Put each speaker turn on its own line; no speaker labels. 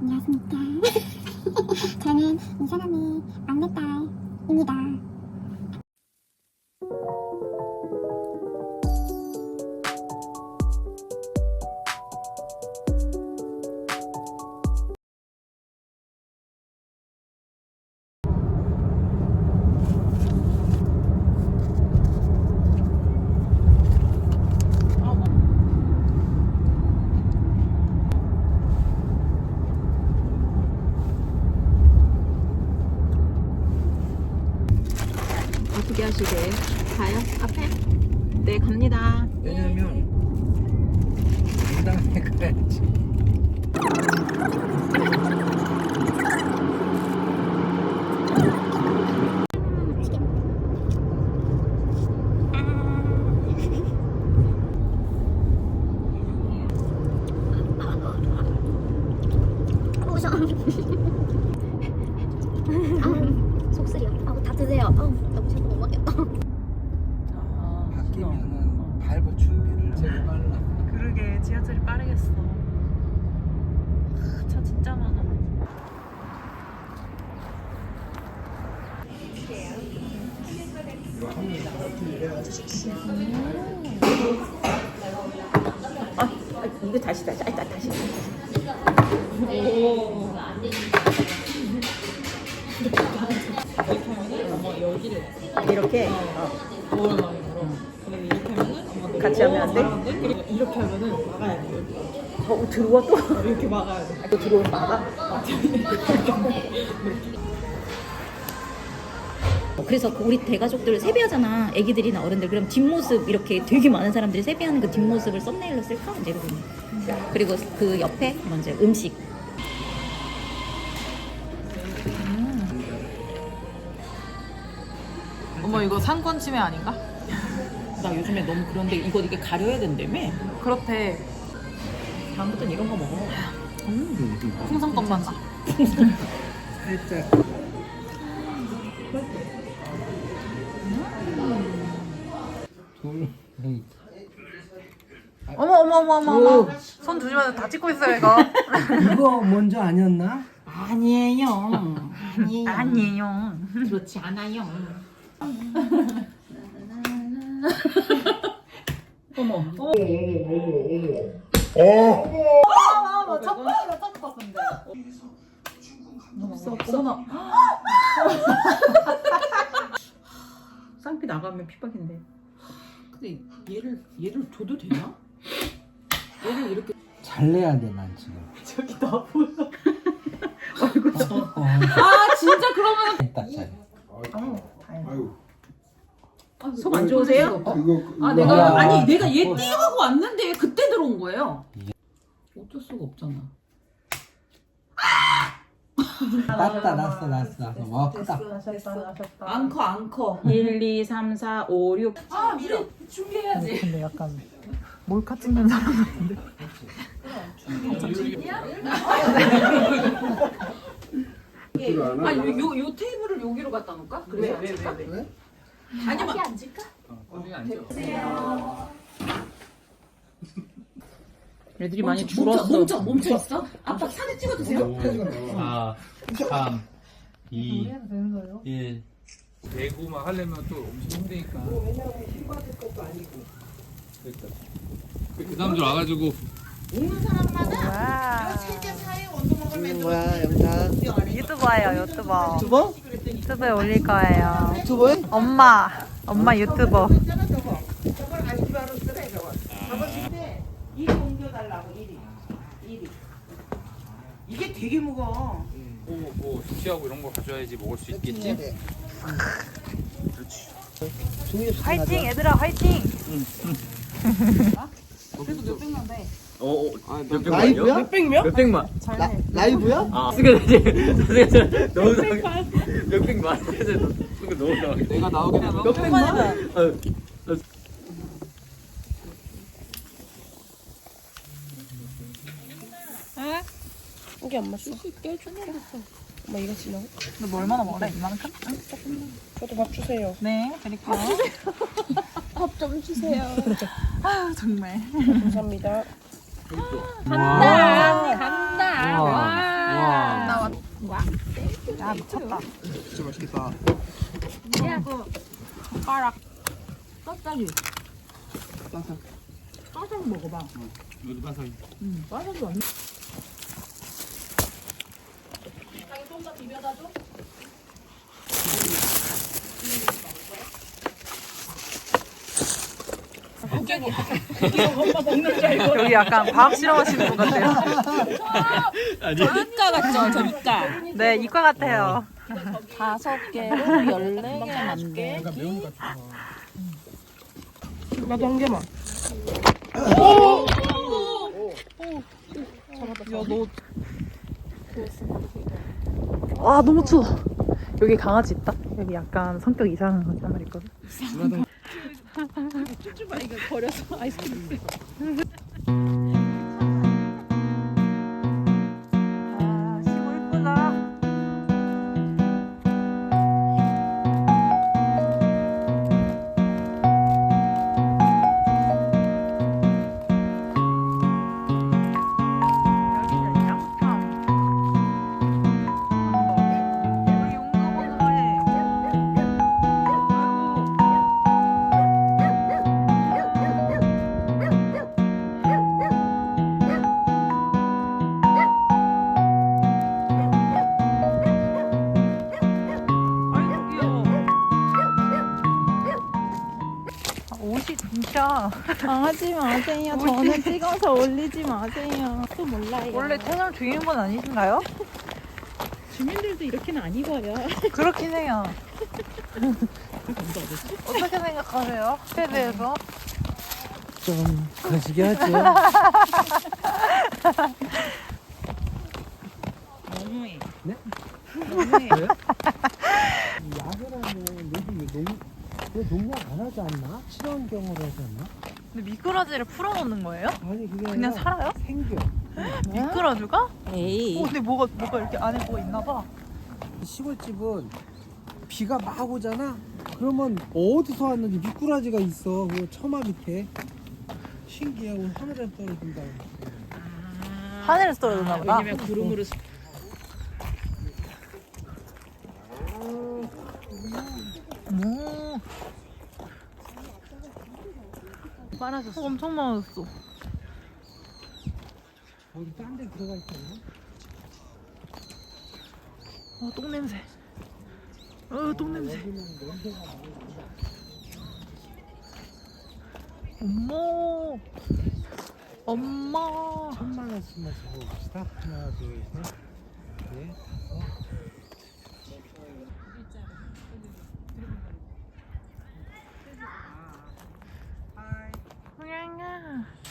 안녕하십니까. 저는 이 사람의 막내딸입니다.
어떻게 하시게? 가요? 앞에? 네, 갑니다.
왜냐면 당당하게 가야지.
속쓰려. 다 드세요. 너무 자꾸 못 먹겠다.
바뀌면은 밟을 준비를 제일 빨라.
그러게, 지하철이 빠르겠어. 차 진짜 많아. 이거 다시. 오. 이렇게 같이 하면 안 돼?
그리고 이렇게 하면은 막아야 돼.
들어와 또?
이렇게 막아야 돼.
또 들어오면 막아?
그래서 우리 대가족들 세배하잖아. 애기들이나 어른들. 그럼 뒷모습 이렇게 되게 많은 사람들이 세배하는 그 뒷모습을 썸네일로 쓸까? 이제 이러고 있네. 그리고 그 옆에 먼저 음식.
어머 이거 상권 침해 아닌가?
나 요즘에 너무 그런데 이게 가려야 된다며?
그렇대.
다음부터는 이런 거 먹어.
풍선껌만 나.
살짝 둘.
어머. 손 조심하세요. 다 찍고 있어요 이거.
이거 먼저 아니었나?
아니에요.
아니에요.
그렇지 않아요. 어머.
어머나.
쌍피 나가면 핍박인데. 근데 얘를 줘도 되나? 얘를 이렇게
잘 내야 돼, 난 지금.
저기 나 보여.
아,
진짜 그러면
됐다, 잘.
속 안 좋으세요?
내가 얘 띄우고 왔는데 그때 들어온 거예요.
어쩔 수가 없잖아.
났어. 와, 크다.
앙커.
1, 2, 3, 4, 5, 6.
아 미리 준비해야지. 근데 약간 몰카 찍는 사람 같은데. 요 테이블을 여기로 갖다 놓을까? 그래서
왜?
아니면
앉을까?
애들이 많이 줄었어.
멈춰 있어? 아빠 사진 찍어주세요.
4, 3, 2, 1. 대구 막 하려면 또 엄청 힘드니까. 왜냐면 힘 받을 것도 아니고. 그러니까. 그 사람들 와가지고.
뭐야, 영상.
유튜버예요, 유튜버.
유튜버?
유튜브에 올릴 거예요.
유튜버에?
엄마 유튜버.
이게 되게 무거워.
뭐 수치하고 이런 거 가져야지 먹을 수 있겠지? 그렇지.
화이팅, 얘들아, 화이팅!
라이브야?
몇백만.
라이브야?
아, 그러니까 너무 몇백만. 너무 내가 나오게 되면 몇백만.
이게 엄마 써. 엄마 이거 지나고?
너 뭐 얼마나 먹을래? 이만큼?
저도 밥 주세요.
네, 드릴게요.
밥 좀 주세요.
아 정말.
감사합니다.
간다.
간다. 와.
야 미쳤다.
진짜 맛있겠다.
젓가락. 떴다리.
따뜻.
까서 먹어봐.
여기 봐서
빠져도 안. 여기 약간 과학 실험하시는 분 같아요.
저 이과 같죠? 저 이과.
네, 이과 같아요.
5개로 14개 해줄게. 나도 한 개만.
와, 너무 추워. 여기 강아지 있다. 여기 약간 성격 이상한 거 한 마리 있거든. 아, 시골 이쁘다. 여기는 양평. 우리 용감하네. 아이고 귀여워. 옷이 진짜
하지 마세요. 저는 찍어서 올리지 마세요. 또 몰라요.
원래 채널 주인분 아니신가요?
주민들도 이렇게는 안 입어요.
그렇긴 해요. 어떻게 생각하세요? 에 대해서?
좀 거시기 하죠.
너무해.
네?
너무해.
야구라는 여기 농약 안 하지 않나? 친환경으로 하지 않나?
근데 미꾸라지를 풀어놓는 거예요?
아니 그게
그냥
아니라
살아요?
생겨.
미꾸라지가?
에이.
근데 뭐가 이렇게 안에 뭐가 있나 봐.
시골집은 비가 막 오잖아. 그러면 어디서 왔는지 미꾸라지가 있어. 그 처마 밑에. 신기해. 오늘 하늘에 떨어진다.
하늘에서 떨어졌나 보다.
왜냐면 구름으로
많아졌어. 엄청 많아졌어.
거기 딴 데 들어가 있잖아.
똥냄새. 똥냄새. 엄마.
천만 원씩만 적어봅시다. 하나, 둘, 셋, 넷, 다섯.
고양아.